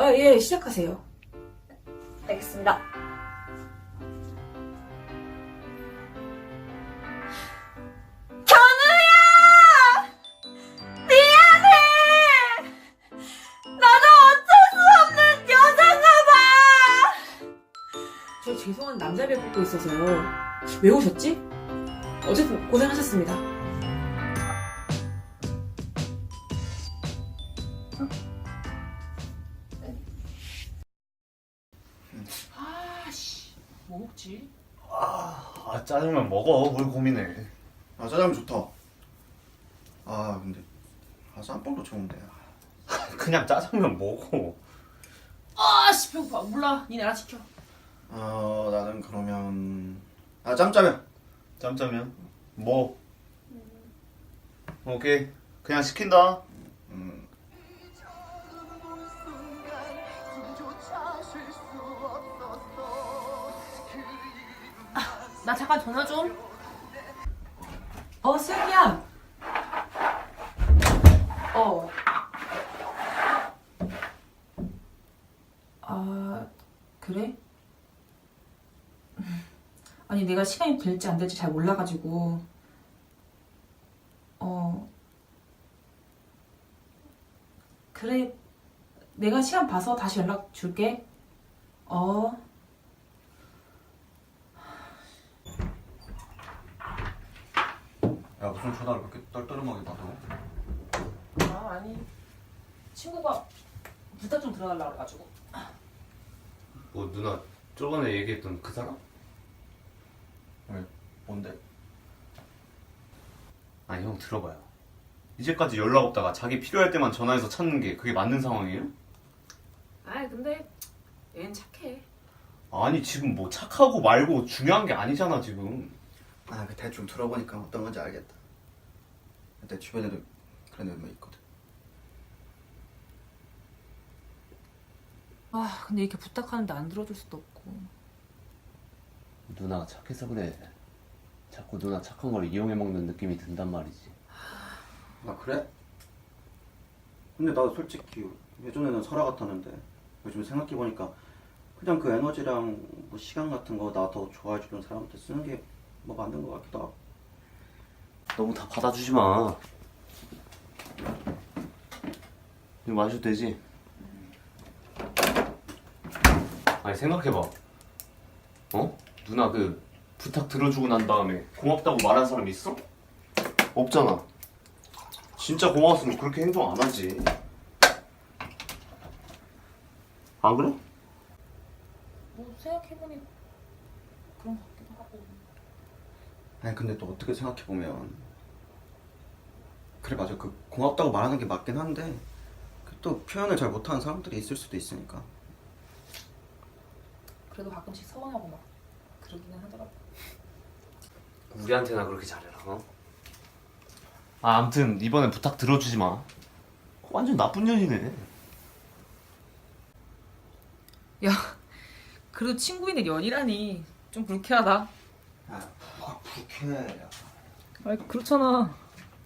예, 시작하세요. 알겠습니다. 견우야! 미안해! 나도 어쩔 수 없는 여잔가 봐! 저 죄송한 남자를 뽑고 있어서요. 왜 오셨지? 어쨌든 고생하셨습니다. 아씨, 뭐 먹지? 짜장면 먹어. 뭘 고민해. 짜장면 좋다. 근데 짬뽕도 좋은데. 그냥 짜장면 먹어. 아씨, 배고파. 몰라. 니네 알아 시켜. 나는 그러면 짬짜면. 짬짜면 뭐? 오케이. 그냥 시킨다. 나 잠깐 전화 좀. 슬기야. 그래? 아니, 내가 시간이 될지 안 될지 잘 몰라가지고. 그래. 내가 시간 봐서 다시 연락 줄게. 야, 무슨 전화를 그렇게 떨떠름하게 받아? 아니. 친구가 부탁 좀 들어달라고 그래가지고. 뭐 누나 저번에 얘기했던 그 사람? 왜? 뭔데? 아니 형 들어봐요. 이제까지 연락 없다가 자기 필요할 때만 전화해서 찾는 게 그게 맞는 상황이에요? 근데 얘는 착해. 아니 지금 뭐 착하고 말고 중요한 게 아니잖아 지금. 그 대충 들어보니까 어떤 건지 알겠다. 내 주변에도 그런 애몇 명 있거든. 근데 이렇게 부탁하는데 안 들어줄 수도 없고. 누나가 착해서 그래. 자꾸 누나 착한 걸 이용해 먹는 느낌이 든단 말이지. 그래? 근데 나도 솔직히 예전에는 설아 같았는데 요즘 생각해보니까 그냥 그 에너지랑 뭐 시간 같은 거 나 더 좋아해주는 사람한테 쓰는 게 뭐 맞는 것 같기도 하고. 너무 다 받아주지 마. 이거 마셔도 되지? 아니 생각해봐. 누나 그 부탁 들어주고 난 다음에 고맙다고 말한 사람 있어? 없잖아. 진짜 고마웠으면 그렇게 행동 안 하지. 안 그래? 뭐 생각해보니 그런 것 같기도 하고. 근데 또 어떻게 생각해보면 그래, 맞아. 그 고맙다고 말하는 게 맞긴 한데 또 표현을 잘 못하는 사람들이 있을 수도 있으니까. 그래도 가끔씩 서운하고 막 그러기는 하더라고. 우리한테나 그렇게 잘해라. 아무튼 이번엔 부탁 들어주지 마. 완전 나쁜 년이네. 야, 그래도 친구인데 연이라니 좀 불쾌하다. 뭐가 불쾌해. 아니, 그렇잖아.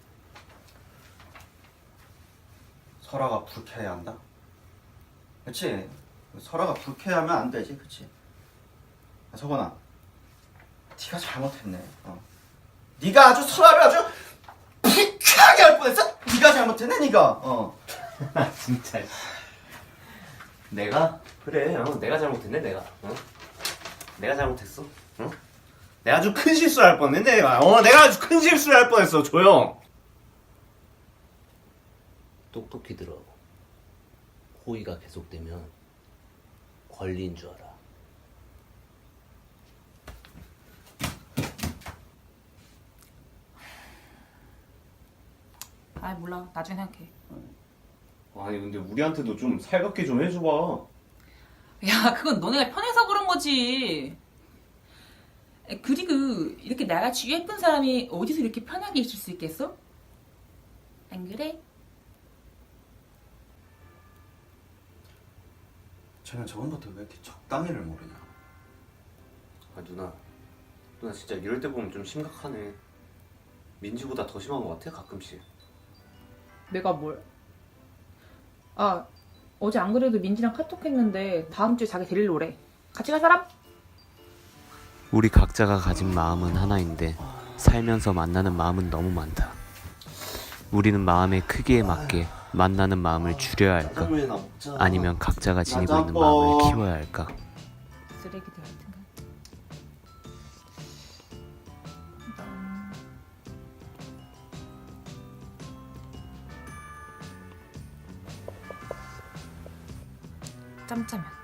설아가 불쾌해야 한다? 그치? 설아가 불쾌하면 안 되지, 그치? 석원아, 네가 잘못했네. 네가 아주 설아를 아주 불쾌하게 할 뻔했어? 네가 잘못했네, 네가. 진짜. 내가? 그래. 내가 잘못했네 내가. 내가 잘못했어. 내가 아주 큰 실수를 할 뻔했네 내가. 내가 아주 큰 실수를 할 뻔했어 조용. 똑똑히 들어. 호의가 계속되면 권리인 줄 알아. 몰라. 나중에 생각해. 아니 근데 우리한테도 좀 살갑게 좀 해줘봐. 야, 그건 너네가 편해서 그런 거지. 그리고 이렇게 나같이 예쁜 사람이 어디서 이렇게 편하게 있을 수 있겠어? 안 그래? 쟤는 저번부터 왜 이렇게 적당히를 모르냐? 누나 진짜 이럴 때 보면 좀 심각하네. 민지보다 더 심한 것 같아 가끔씩. 내가 뭘? 어제 안 그래도 민지랑 카톡했는데 다음 주에 자기 데리러 오래. 같이 갈 사람? 우리 각자가 가진 마음은 하나인데 살면서 만나는 마음은 너무 많다. 우리는 마음의 크기에 맞게 만나는 마음을 줄여야 할까? 짜장면이나 먹자. 아니면 각자가 지니고 있는 짜장면. 마음을 키워야 할까? 쓰레기들 같은가? 짬짜면.